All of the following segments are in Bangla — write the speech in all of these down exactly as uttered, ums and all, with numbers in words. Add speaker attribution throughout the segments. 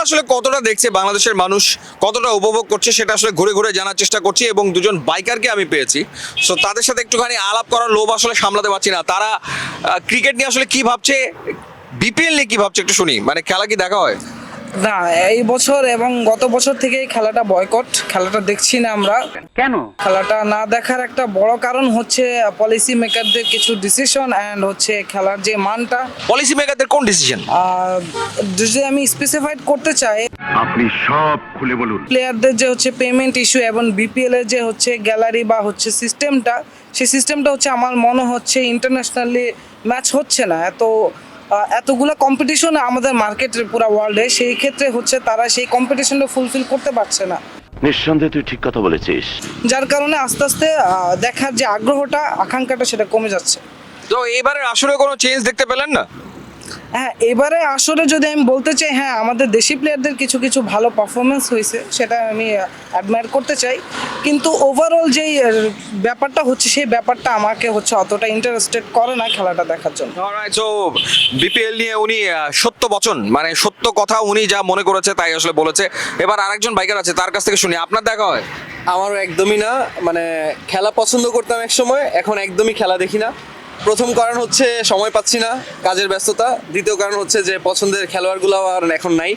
Speaker 1: আসলে কতটা দেখছে বাংলাদেশের মানুষ, কতটা উপভোগ করছে সেটা আসলে ঘুরে ঘুরে জানার চেষ্টা করছি, এবং দুজন বাইকারকে আমি পেয়েছি। সো তাদের সাথে একটুখানি আলাপ করার লোভ আসলে সামলাতে পারছি না। তারা ক্রিকেট নিয়ে আসলে কি ভাবছে, বিপিএল নিয়ে কি ভাবছে একটু শুনি। মানে খেলা কি দেখা হয়?
Speaker 2: না, এই বছর এবং গত বছর থেকে খেলাটা বয়কট, খেলাটা দেখছি না আমরা।
Speaker 3: কেন?
Speaker 2: খেলাটা না দেখার একটা বড় কারণ হচ্ছে পলিসি মেকারদের কিছু ডিসিশন অ্যান্ড হচ্ছে খেলার যে মানটা।
Speaker 1: পলিসি মেকারদের কোন ডিসিশন?
Speaker 2: আর যদি আমি স্পেসিফাইড করতে চাই,
Speaker 3: আপনি সব খুলে বলুন।
Speaker 2: প্লেয়ারদের যে হচ্ছে পেমেন্ট ইস্যু এবং বিপিএল এর যে হচ্ছে গ্যালারি বা হচ্ছে সিস্টেমটা, সেই সিস্টেমটা হচ্ছে আমার মনে হচ্ছে ইন্টারন্যাশনালি ম্যাচ হচ্ছে না। এত আহ, এতগুলো কম্পিটিশন আমাদের মার্কেটের পুরো ওয়ার্ল্ডে, সেই ক্ষেত্রে হচ্ছে তারা সেই কম্পিটিশনটা ফুলফিল করতে পারছে না,
Speaker 3: নিঃসন্দেহে তুই ঠিক কথা বলেছিস।
Speaker 2: যার কারণে আস্তে আস্তে আহ, দেখার যে আগ্রহটা, আকাঙ্ক্ষাটা সেটা কমে যাচ্ছে।
Speaker 1: তো এবারে আসলে কোনো চেঞ্জ দেখতে পেলেন না?
Speaker 2: হ্যাঁ, এবারে আসলে যদি আমি বলতে চাই, হ্যাঁ আমাদের দেশি প্লেয়ারদের কিছু কিছু ভালো পারফরমেন্স হয়েছে, সেটা আমি অ্যাডমায়ার করতে চাই, কিন্তু ওভারঅল যেই আহ, ব্যাপারটা হচ্ছে সেই ব্যাপারটা আমাকে হচ্ছে অতটা ইন্টারেস্টেড করে না খেলাটা দেখার জন্য।
Speaker 1: সো বিপিএল নিয়ে উনি আহ, সত্য বচন, মানে সত্য কথা উনি যা মনে করেছে তাই আসলে বলেছে। এবার আরেকজন বাইকার আছে, তার কাছ থেকে শুনি। আপনার দেখা হয়?
Speaker 4: আমারও একদমই না, মানে খেলা পছন্দ করতাম এক সময়, এখন একদমই খেলা দেখি না। প্রথম কারণ হচ্ছে সময় পাচ্ছি না, কাজের ব্যস্ততা। দ্বিতীয় কারণ হচ্ছে যে পছন্দের খেলোয়াড়গুলো আর এখন নাই।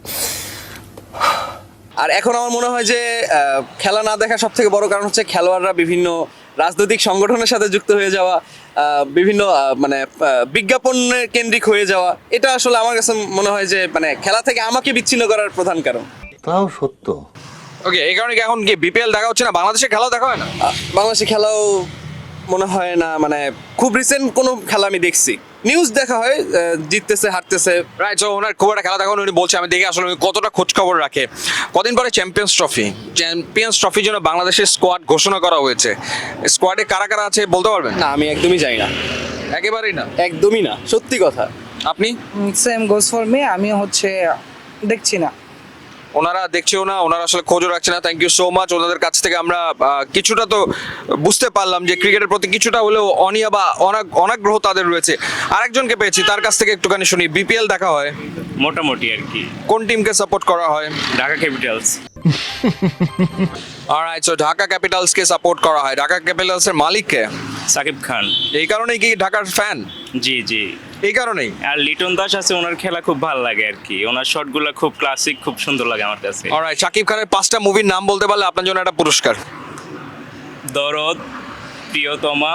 Speaker 4: আর এখন আমার মনে হয় যে আহ, খেলা না দেখা সব থেকে বড় কারণ হচ্ছে খেলোয়াড়রা বিভিন্ন রাজনৈতিক সংগঠনের সাথে যুক্ত হয়ে যাওয়া, আহ, বিভিন্ন আহ, মানে আহ, বিজ্ঞাপনের কেন্দ্রিক হয়ে যাওয়া। এটা আসলে আমার কাছে মনে হয় যে মানে খেলা থেকে আমাকে বিচ্ছিন্ন করার প্রধান কারণ।
Speaker 5: তাও সত্য।
Speaker 1: ওকে, এই কারণে কি এখন কি বিপিএল দেখা হচ্ছে না? বাংলাদেশের খেলাও দেখা হয় না?
Speaker 4: আহ, বাংলাদেশে খেলাও মনে হয় না, মানে খুব রিসেন্ট কোনো খেলা আমি দেখছি, নিউজ দেখা হয় আহ, জিততেছে হারতেছে।
Speaker 1: রাইট। সো ওনার খুব একটা খেলা দেখা হয়নি, উনি বলছে। আমি দেখি আসলে উনি কতটা খোঁজ খবর রাখে। কদিন পরে চ্যাম্পিয়ন্স ট্রফি, চ্যাম্পিয়ন্স ট্রফির জন্য বাংলাদেশের স্কোয়াড ঘোষণা করা হয়েছে। স্কোয়াডে কারা কারা আছে বলতে পারবেন?
Speaker 4: না, আমি একদমই জানি না,
Speaker 1: একেবারেই না।
Speaker 4: একদমই না, সত্যি কথা।
Speaker 1: আপনি?
Speaker 2: সেম গোজ ফর মি, আমি হচ্ছে দেখছি না।
Speaker 1: ওনারা দেখছেও না, ওনারা আসলে খোঁজও রাখছে না। Thank you so much. ওনাদের কাছ থেকে আমরা আহ, কিছুটা তো বুঝতে পারলাম যে ক্রিকেটের প্রতি কিছুটা হলেও অনীহা বা অনাগ- অনাগ্রহ তাদের রয়েছে। আরেকজনকে পেয়েছি, তার কাছ থেকে একটুখানি শুনি। বিপিএল দেখা হয়?
Speaker 6: মোটামুটি আর কি।
Speaker 1: কোন টিমকে সাপোর্ট করা হয়?
Speaker 6: Dhaka Capitals.
Speaker 1: Alright. So Dhaka ক্যাপিটালসকে সাপোর্ট করা হয়। ঢাকা ক্যাপিটালসের মালিক কে?
Speaker 6: সাকিব খান।
Speaker 1: এই কারণেই কি ঢাকার ফ্যান?
Speaker 6: জি জি।
Speaker 1: এই কারণেই?
Speaker 6: আর লিটন দাস আছে, ওনার খেলা খুব ভালো লাগে আর কি। ওনার শটগুলো খুব ক্লাসিক, খুব সুন্দর লাগে আমার কাছে।
Speaker 1: অলরাইট। শাকিব খানের পাঁচটা মুভির নাম বলতে পারলে আপনার জন্য একটা পুরস্কার।
Speaker 6: দরদ, প্রিয়তমা,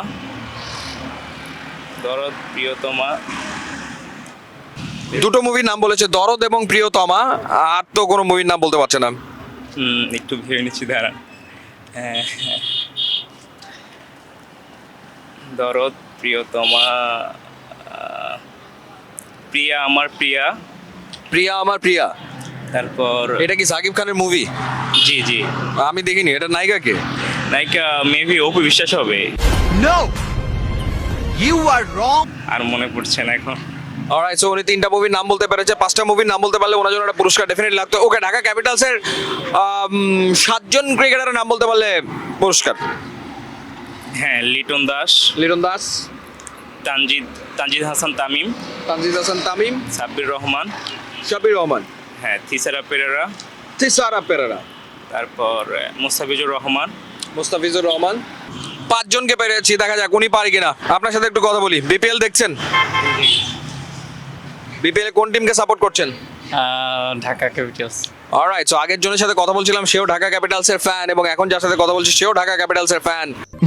Speaker 6: দরদ, প্রিয়তমা।
Speaker 1: দুটো মুভির নাম বলেছে, দরদ এবং প্রিয়তমা। আর তো কোনো মুভির নাম বলতে পারছে না।
Speaker 6: হুম, একটু ভেবে নিচ্ছি, দাঁড়ান। হ্যাঁ, দরদ, প্রিয়তমা, আহ, প্রিয়া আমার প্রিয়া।
Speaker 1: প্রিয়া আমার প্রিয়া।
Speaker 6: তারপর
Speaker 1: এটা কি সাকিব খানের মুভি?
Speaker 6: জি জি।
Speaker 1: আমি দেখিনি। এটা নায়িকা কে?
Speaker 6: নায়িকা মেবি অপু বিশ্বাস হবে।
Speaker 5: নো, ইউ আর রং।
Speaker 6: আর মনে পড়ছে না এখন।
Speaker 1: অলরাইট। সো উনি তিনটা মুভির নাম বলতে পেরেছে, পাঁচটা মুভির নাম বলতে পারলে ওনার জন্য একটা পুরস্কার ডেফিনেটলি লাগতো। ওকে, ঢাকা ক্যাপিটালসের আম, সাতজন ক্রিকেটারের নাম বলতে পারলে পুরস্কার।
Speaker 6: হ্যাঁ, লিটন দাস,
Speaker 1: লিটন দাস,
Speaker 6: তানজিদ তানজিদ হাসান তামিম,
Speaker 1: তানজিদ হাসান তামিম,
Speaker 6: সাব্বির রহমান,
Speaker 1: শাবির রহমান,
Speaker 6: হ্যাঁ থিসারা পেরেরা,
Speaker 1: তিসারা পেরেরা,
Speaker 6: তারপর আহ, মুস্তাফিজুর রহমান।
Speaker 1: মুস্তাফিজুর রহমান। পাঁচজনকে পেরেছি, দেখা যাক উনি পারি কিনা। আপনার সাথে একটু কথা বলি। বিপিএল দেখছেন? বিপিএল কোন টিমকে সাপোর্ট করছেন?
Speaker 7: ঢাকা ক্যাপিটালস।
Speaker 1: অলরাইট। সো আগের জনের সাথে কথা বলছিলাম, সেও ঢাকা ক্যাপিটালসের ফ্যান, এবং এখন যার সাথে কথা বলছি সেও ঢাকা ক্যাপিটালসের ফ্যান।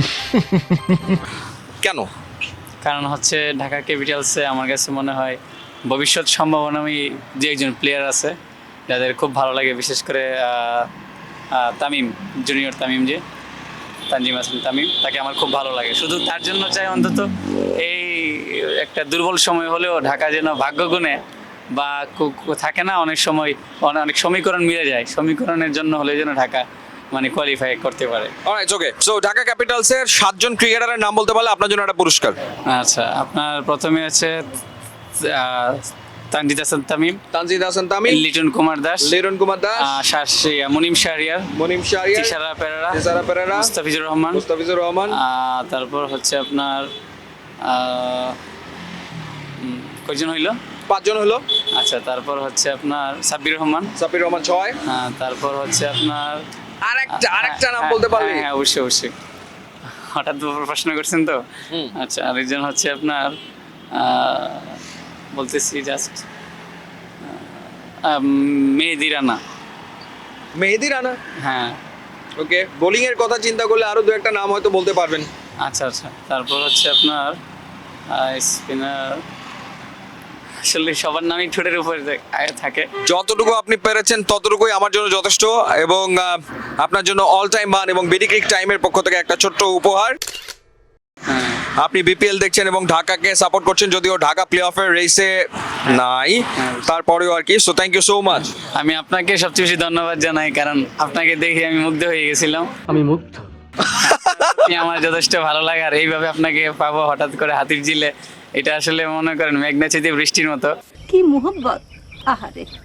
Speaker 1: কেন?
Speaker 7: কারণ হচ্ছে ঢাকা ক্যাপিটালসে আমার কাছে মনে হয় ভবিষ্যৎ সম্ভাবনামী যে একজন প্লেয়ার আছে যাদের খুব ভালো লাগে, বিশেষ করে আহ, আহ, তামিম, জুনিয়র তামিম, যে তানজিম হাসান তামিম, তাকে আমার খুব ভালো লাগে। শুধু তার জন্য চাই অন্তত এই একটা দুর্বল সময় হলেও ঢাকা যেন ভাগ্যগুণে বা কু- কু- থাকে না অনেক সময়, অনে- অনেক সমীকরণ মিলে যায়, সমীকরণের জন্য হলে যেন ঢাকা মানে কোয়ালিফাই করতে পারে।
Speaker 1: অলরাইট। ওকে। সো ঢাকা ক্যাপিটালসের সাতজন ক্রিকেটারের নাম বলতে পারলে আপনার জন্য একটা পুরস্কার।
Speaker 7: আচ্ছা, আপনার প্রথমে আছে আহ, তানজিদ হাসান তামিম,
Speaker 1: তানজিদ হাসান তামিম,
Speaker 7: লিটন কুমার দাস,
Speaker 1: লিটন কুমার দাস,
Speaker 7: আহ, শাসি মুনিম শাহরিয়ার,
Speaker 1: মনিম শাহরিয়ার,
Speaker 7: তিশারা পেরেরা,
Speaker 1: তিসারা পেরেরা,
Speaker 7: মুস্তাফিজুর রহমান,
Speaker 1: মুস্তাফিজুর রহমান।
Speaker 7: আহ, তারপর হচ্ছে আপনার আহ, উম, কয়জন হইল?
Speaker 1: পাঁচজন হলো।
Speaker 7: আচ্ছা, তারপর হচ্ছে আপনার সাব্বির রহমান।
Speaker 1: সাপির রহমান ছয়।
Speaker 7: হ্যাঁ, তারপর হচ্ছে আপনার
Speaker 1: আরেকটা আরেকটা নাম
Speaker 7: হ্যাঁ,
Speaker 1: বলতে পারলি?
Speaker 7: হ্যাঁ, হ্যাঁ, অবশ্যই অবশ্যই। হঠাৎ দুপুর প্রশ্ন করছেন তো।
Speaker 1: হুম।
Speaker 7: আচ্ছা, আরেকজন হচ্ছে আপনার আহ, বলতেছি জাস্ট মেহেদি রানা।
Speaker 1: মেহেদি রানা।
Speaker 7: হ্যাঁ।
Speaker 1: ওকে, বোলিং এর কথা চিন্তা করলে আরো দু একটা নাম হয়তো বলতে পারবেন।
Speaker 7: আচ্ছা আচ্ছা, তারপর হচ্ছে আপনার স্পিনার, আসলে সবার নামই ঠোঁটের উপরে থা- থাকে।
Speaker 1: যতটুকু আপনি পেরেছেন ততটুকুই আমার জন্য যথেষ্ট, এবং আহ, আপনার জন্য অল টাইম মান এবং বেডিক্রিক টাইমের পক্ষ থেকে একটা ছোট্ট উপহার।
Speaker 7: হ্যাঁ।
Speaker 1: আপনি বিপিএল দেখছেন এবং ঢাকাকে সাপোর্ট করছেন, যদিও ঢাকা প্লে অফের রেসে নাই, তারপরেও আর কি। So thank you so much.
Speaker 7: আমি আপনাকে সবচেয়ে বেশি ধন্যবাদ জানাই, কারণ আপনাকে দেখে আমি মুগ্ধ হয়ে গেছিলাম।
Speaker 5: আমি মুগ্ধ।
Speaker 7: আপনি আমার যথেষ্ট ভালো লাগে, আর এইভাবে আপনাকে পাবো হঠাৎ করে হাতির ঝিলে, এটা আসলে মনে করেন মেঘনা চেয়ে বৃষ্টির মতো।
Speaker 8: কি মোহব্বত, আহারে।